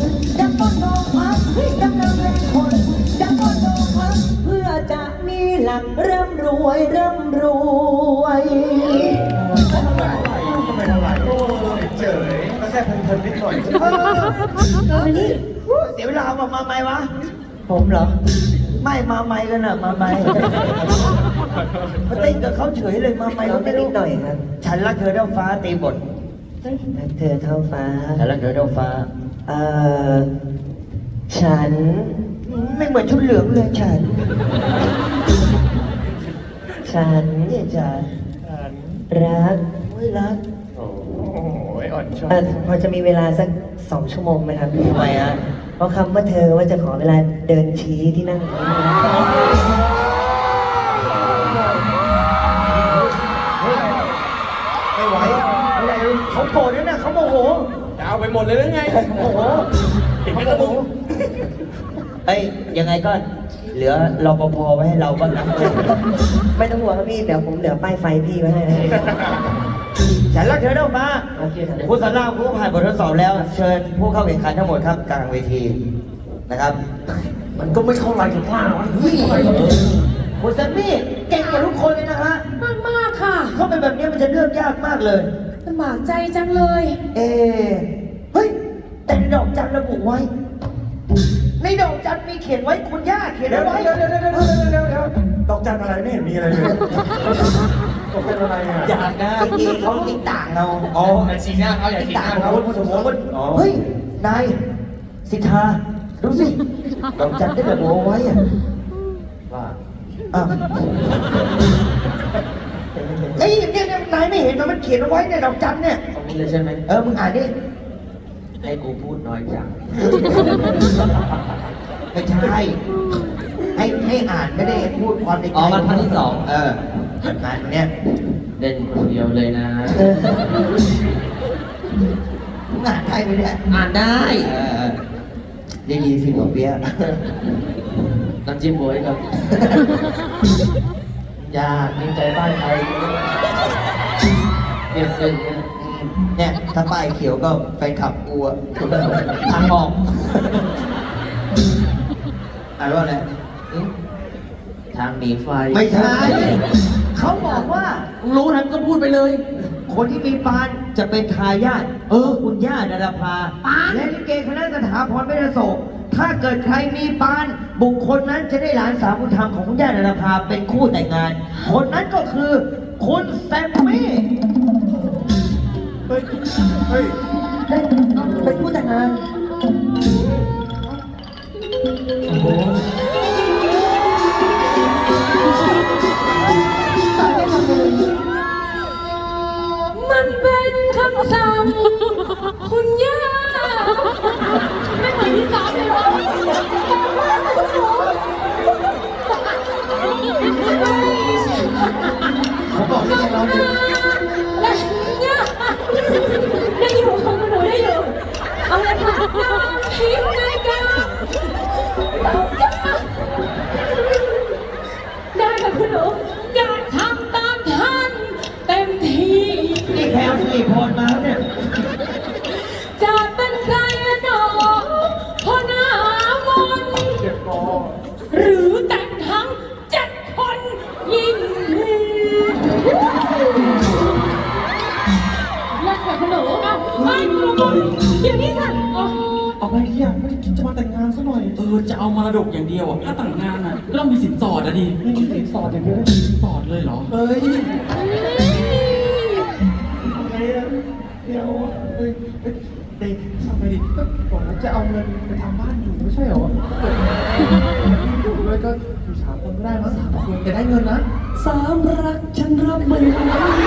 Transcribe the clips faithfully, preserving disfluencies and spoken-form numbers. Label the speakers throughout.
Speaker 1: จะป้อนนองพักดังนางแรงคนจะป้อนนองพักเพื่อจะมีหลักร่ำรวยร่ำรวย
Speaker 2: ไม่เท่าไหร่โอ้ยเจ๋ยก็แค่เพลินๆนิดหน่อย
Speaker 1: มานี่เสียเวลามามาไหมวะผมเหรอไม่มาไหมกันน่ะมาไหมมาเต้นกับเขาเฉยเลยมาไหมเขาไม่รู้หน่อยครับฉันรักเธอเท่าฟ้าตีบทรักเธอเท่าฟ้าฉันรักเธอเท่าฟ้าเอ่อฉันไม่เหมือนชุดเหลืองเลยฉันฉันเนี่ยฉันรักไม่รัก
Speaker 2: โอ้ยอ่อนช้อย
Speaker 1: เอ่อพอจะมีเวลาสักสองชั่วโมงไหมครับทำไมฮะเพราะคำว่าเธอว่าจะขอเวลาเดินชี้ที่นั่งตรงนี้ไม่ไหวไม่ไหวเขาโกรธด้วยนะเขาโมโห
Speaker 2: จะเอาไปหมดเลยหรือไง
Speaker 1: โมโห
Speaker 2: เห็นไหมกระดูก
Speaker 1: เอ้ยยังไงก็เหลือรปภไว้ให้เราบ้างนะไม่ต้องห่วงครับพี่เดี๋ยวผมเหลือป้ายไฟพี่ไว้ให้ฉันรักเธอเท่าฟ้าผู้สารามผู้ผ่านบททดสอบแล้ว เชิญผู้เข้าแข่งขันทั้งหมดครับกลางเวทีนะครับ
Speaker 2: มันก็ไม่เข้าไรถึงมากวะ
Speaker 1: คุณแซมมี่เก่งกว่าทุกคนเลยนะฮะ
Speaker 3: มากมากๆค่ะ
Speaker 1: เขาเป็นแบบนี้มันจะเลือกยากมากเลย
Speaker 3: ลำบากใจจังเลย
Speaker 1: เอเฮ้ยแต่ในดอกจันระบุไว้ ในดอกจันมีเขียนไว้คุณย่าเขียน
Speaker 2: เดี๋ยว
Speaker 1: เอาไว้
Speaker 2: เดี๋ยวเดี๋ยวเดี๋ยวเดี๋ยวเดี๋ยวเดี๋ยวดอกจันอะไรไม่เห็นมีอะไรเลยดอกจันอะไรอ่ะ
Speaker 1: อยากนะจริงๆเขาติดต่างเอา
Speaker 2: อ๋อไอชีหน้าเขาอย่า
Speaker 1: ติด
Speaker 2: ชีห
Speaker 1: ต่า
Speaker 2: น้าง เขา
Speaker 1: เอาสมมติว่าเฮ้ยนายสิทธาดูสิดอกจันได้ระบุเอาไว้อะ
Speaker 2: ว่า
Speaker 1: อ้าวเฮ้ยเนี่ยเนี่ยนายไม่เห็นมันมันเขียนเอาไว้ในดอกจันเนี่ย
Speaker 2: ตรงนี้เลยใช่ไหม
Speaker 1: เออมึงอ่านดิ
Speaker 2: ให้กูพูดน้อยจัง
Speaker 1: ไม่ใช่ ให้ให้อ่านไม่ได้พูดความในใจ
Speaker 2: อ๋อมันท่อนที่สอง
Speaker 1: เอออ่านเนี่ย
Speaker 2: เล่นคนเดียวเลยนะ
Speaker 1: เออมึงอ่านได้ไหมเนี่ย
Speaker 2: อ่านได้
Speaker 1: เออได้ดีสิหมอเปี๊ยะ
Speaker 2: น้ำจิ้มโวยครับยากมีใจบ้านใครเก็บเงินเนี่ย
Speaker 1: เนี่ยถ้าป้ายเขียวก็แฟนคลับกลัว
Speaker 2: ทางออก
Speaker 1: อ่านว่าอะไร
Speaker 2: ทางหนีไฟ
Speaker 1: ไม่ใช่ เขาบอกว่า
Speaker 2: รู้นั้นก็พูดไปเลย
Speaker 1: คนที่มีปานจะเป็นทายาทเออ คุณย่าดาราภาและลิเกคณะสถาพรไม่ได้โศกถ้าเกิดใครมีปาน บุคคลนั้นจะได้หลานสาวบุญธรรมของคุณย่าดาราภาเป็นคู่แต่งงาน คนนั้นก็คือ คุณแซมมี่
Speaker 2: เฮ้ย เฮ้ย
Speaker 1: ได้เป็นคู่แต่งงานโอ้โห
Speaker 3: มันเป็นคำสั่งคุณย่าไม่เหมือนที่สามเลยเหรอ
Speaker 1: เขาบอกไม่ใช่เราดิ
Speaker 3: ย่าได้อยู่ของหนูได้อยู่เอาเลยค่ะทิ้งเลยกันได้ค่ะคุณหนูอยากทำตามท่านเต็มที่
Speaker 1: นี่แคลสิริพรมาแล้วเนี่ย
Speaker 3: จะเป็นใครหนอพอหน้ามนต์
Speaker 2: เจ็บคอ
Speaker 3: หรือแต่งทั้งเจ็ดคนยิ่งดีรักกับขนมเอาไม่กลัวเดี๋ยวนี้ค่ะอ๋อ
Speaker 4: เอาไปที่อยากไม่ได้จะมาแต่งงานซะหน่อย เออ จะเอามรดกอย่างเดียวอ่ะ ถ้าแต่งงานอ่ะก็ต้องมีสินสอดอ่ะดิ ไม่มีสินสอดอย่างเดียวสินสอดเลยเหรอ
Speaker 2: เฮ้ย
Speaker 4: อะไรอ่ะเดี๋ยวเอ้ยเอ้ยเด็กทำไมดิก็บอกว่าจะเอาเงินไปทำบ้านอยู่ไม่ใช่เหรออยู่ด้วยก็อยู่สามคนก็ได้มั้งสามคนแต่ได้เงินนะสามรักฉันรับไม่ไหว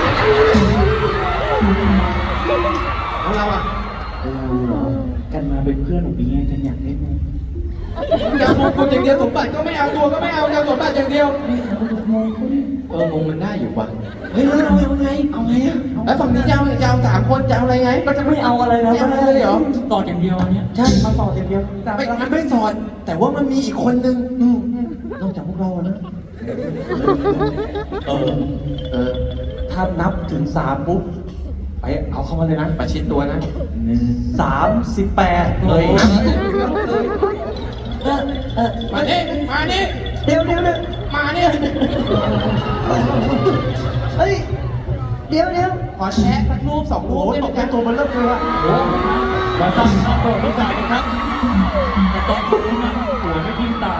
Speaker 2: แล้วเราอ่ะ
Speaker 4: เราเหรอกันมาเป็นเพื่อนของปีไงกันอยากได้มั้ย
Speaker 2: จะเอาคนอย่างเดียวสมบัติก็ไม่เอาตัวก็ไม่เอาจะเอาสมบัติอย่างเดียว เอองงมันได้อยู่ว่ะ
Speaker 4: เฮ้ยแล้วเราเอาไง เอาไงอ่ะ
Speaker 2: แล้วฝั่งนี้จะเอาจะเอาสามคนจะเอาอะไรไง
Speaker 4: ก็จะไม่เอาอะไรแล้ว
Speaker 2: ไม่เอาอะไรเลยเหรอ
Speaker 4: ต่ออย่างเดียวอันเนี้ยใช่มาต่ออย่างเดียวแต่
Speaker 2: ไม่มันไม่สอน แต่ว่ามันมีอีกคนนึงอืมอืมนอกจากพวกเราอะนะ
Speaker 4: เออ
Speaker 2: เออ
Speaker 4: ถ้านับถึงสามปุ๊บไปเอาเข้ามาเลยนะ
Speaker 2: ประชิดตัวนะ
Speaker 4: หนึ่ง
Speaker 2: สามสิบแปด
Speaker 1: เฮ้ย
Speaker 2: เออเออ
Speaker 4: มานี่มานี่
Speaker 1: เดี๋ยวเดี๋ยวเดี๋ยว
Speaker 4: มานี่
Speaker 1: เฮ้ย เดี๋ยวเดี๋ยว
Speaker 4: ขอแชะสักรูปสองรูปได้ไหมครับตัวมันเริ่มเลยว่ะ
Speaker 2: มาสั่งข้าวโพดมาใส่กันครับแต่ตอนนี้นะหัวไม่ทิ้งตา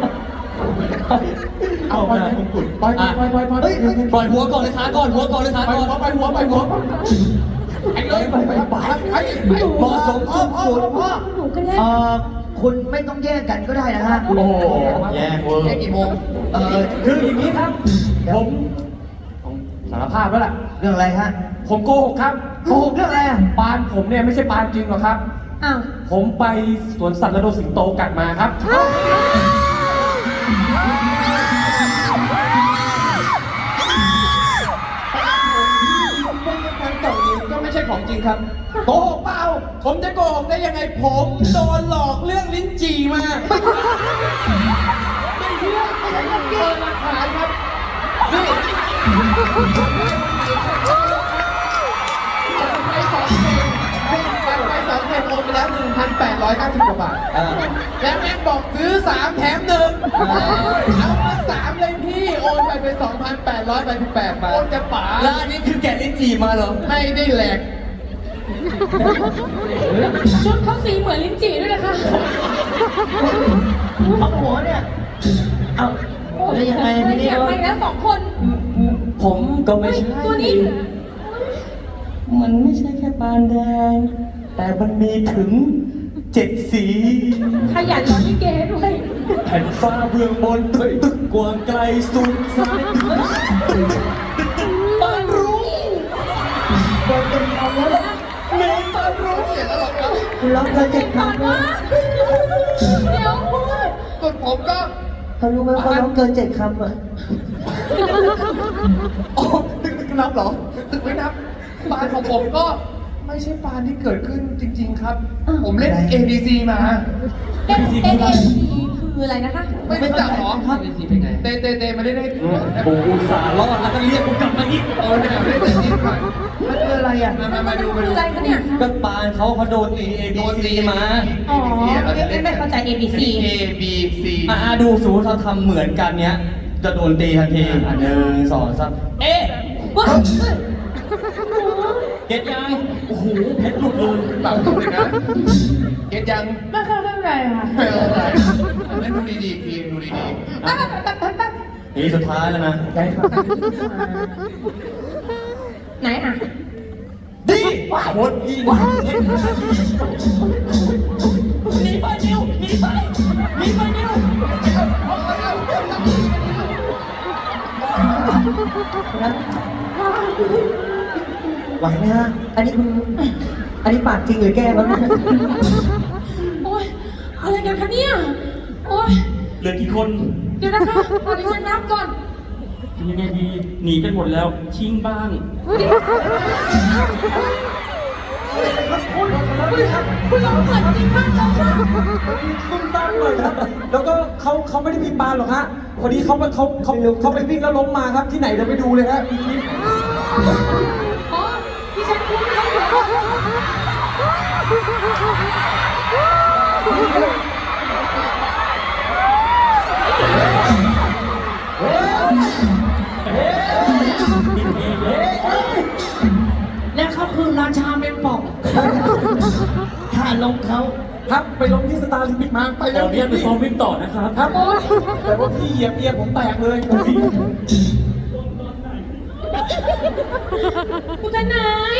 Speaker 4: เอาไปมงกุฎปล่อยปล่อยปล่อยปล่อย
Speaker 1: เฮ้ย
Speaker 2: ปล่อยหัวก่อนเลยขาก่อนหัวก่อนเลยขา
Speaker 4: ปล่อย
Speaker 2: ก่อน
Speaker 4: หัวปล่อยหัวปล่อยหัวไอ้เลยไปไปไปไป
Speaker 2: เหมาะสม
Speaker 1: พ่อพ่อ
Speaker 2: สุด
Speaker 1: พ่อ
Speaker 3: หนูกันแน่
Speaker 1: เอ่อคุณไม่ต้องแยกกันก็ได้นะฮะ
Speaker 2: โอ้โหแย่เวอร์
Speaker 4: แค่กี่โมง
Speaker 1: เอ่อ
Speaker 2: คืออย่างนี้ครับ ผมผมสารภาพแล้วล่ะ
Speaker 1: เรื่องอะไรฮะ
Speaker 2: ผมโกหกครับ
Speaker 1: โกหกเรื่องอะไรอ่ะ
Speaker 2: ปานผมเนี่ยไม่ใช่ปานจริงหรอกครับ
Speaker 3: อ้าว
Speaker 2: ผมไปสวนสัตว์แล้วโดนสิงโตกัดมาครับ
Speaker 4: ทั้งสองนี้ก็ไม่ใช่ของจริงครับโกหกเปล่าผมจะโกหกได้ยังไงผมโดนหลอกเรื่องลิ้นจี่มาไม่เชื่อไม่ใช่เรื่องจริงหลักฐานครับนี่ไปสองเพลงไปสองเพลงโอนไปแล้วหนึ่งพันแปดร้อยเก้าสิบกว่าบาท
Speaker 1: เออ
Speaker 4: แล้วแม่งบอกซื้อสามแถมหนึ่งเอามาสามเลยพี่โอนไปเป็นสองพันแปดร้อยแปดสิบแปดบาทโอนจะป๋า
Speaker 2: แล้วอันนี้คือแกะลิ้นจี่มาเหรอ
Speaker 4: ไม่ได้แหลก
Speaker 3: ชุดเขาสีเหมือนลิ้นจี่ด้วยนะคะ
Speaker 1: เอาหัวเนี่ย เอาแล้วยังไงทีนี้
Speaker 3: อยากไปแล้วสองคน
Speaker 2: ผมก็ไม่ใช่
Speaker 3: ตัวนี้
Speaker 2: มันไม่ใช่แค่ปานแดง แต่มันมีถึงเจ็ดสี
Speaker 3: ขยันร้องลิเกด้วย
Speaker 2: แผ่นฟ้าเบื้องบนตึกตึกกว้างไกลสุดสายปานรู้
Speaker 1: โดนเป็นเอาแล้ว
Speaker 2: เมตตารู้
Speaker 4: เสียแล้วหรอกครับ
Speaker 1: คุณร้องเพลงเจ็ด
Speaker 3: ก่อน
Speaker 1: คำ
Speaker 3: วะเดี๋ยวพูด
Speaker 4: ส่วนผมก็
Speaker 1: เขารู้ไหมว่าเขาร้องเกินเจ็ดคำอ่ะ
Speaker 4: อ๋อตึกตึกนับเหรอตึกไม่นับปานของผมก็ไม่ใช่ปานที่เกิดขึ้นจริง ๆ ครับ ผมเล่น เอ บี ซี มา
Speaker 3: เอ็นเอ็นเอ็นคืออะไรนะคะ
Speaker 4: ไม่รู้จักเหรอ
Speaker 1: ครับ
Speaker 4: เตเตเตมาได้ได้
Speaker 2: กูอุตส่าห์รอดแล้วก็เรียกกูกลับมาอีก
Speaker 4: เออเนี่ยไม่ได้แต่จริงก่อน
Speaker 1: มันคืออะไรอ่ะ
Speaker 4: มามามาดูมา
Speaker 3: คือ
Speaker 4: ดู
Speaker 3: อะไรคะเนี่ย
Speaker 2: ก็ปานเขาเขาโดนตีเอ
Speaker 4: โด
Speaker 2: บี
Speaker 4: น
Speaker 2: ซี
Speaker 4: ตี
Speaker 2: มา
Speaker 3: อ๋อไม่ไม่เข้าใจ A B C
Speaker 4: A B C
Speaker 2: อ่าดูสูถ้าทำเหมือนกันเนี้ย จะโดนตีทันทีอ่ะหนึ่งสองสามเอ๊ะ
Speaker 3: ว้าว
Speaker 2: เก็ตยังโอ้โหเพชรหลุดเลย
Speaker 4: เปล่าตรงเลยนะเก็ตยัง
Speaker 3: ไม่เข้าใจค่ะ
Speaker 4: ไม่เอาอะไรเล่นดูดีๆพีดูดี
Speaker 3: แป๊บแป๊บแป๊บแป๊บแป๊บ
Speaker 2: นี่สุดท้ายแล้วนะ
Speaker 1: ได้ครับ
Speaker 3: ไหนอ่ะ
Speaker 2: ดีโคตรดีหนีไปนิวหนีไปหนีไปนิว
Speaker 1: ไหวไหมฮะ อันนี้คุณอันนี้ปากจริงหรือแกล้งวะเนี่ย
Speaker 3: โอ๊ยอะไรกันคะเนี่ยโอ๊ย
Speaker 2: เหลือกี่คน
Speaker 3: เดี๋ยวนะคะตอนนี้ฉันนับก่อน
Speaker 2: ยังไงดี หนีกันหมดแล้ว ชิงบ้าง
Speaker 3: คุณลองเปิดจริงมากเลยค่ะ
Speaker 2: ตุ้มตามเลยครับ แล้วก็เขาเขาไม่ได้มีปานหรอกฮะพอดีเขาเขาเขาเขาไปวิ่งแล้วล้มมาครับ ที่ไหนเราไปดูเลยฮะมีคลิป
Speaker 3: อ๋อที่ฉันพูดไม่ได้
Speaker 1: และเขาคือราชาเมนปอกถ้าลงเขา
Speaker 2: ครับไปล้มที่สตาร์ลิมปิกมาไปแล้วเนี่ยไปซ้อมวิ่งต่อนะครับครับ
Speaker 3: โอ๊ย
Speaker 2: แต่ว่าพี่เหยียบเอียผมแตกเลย
Speaker 3: คุณทนาย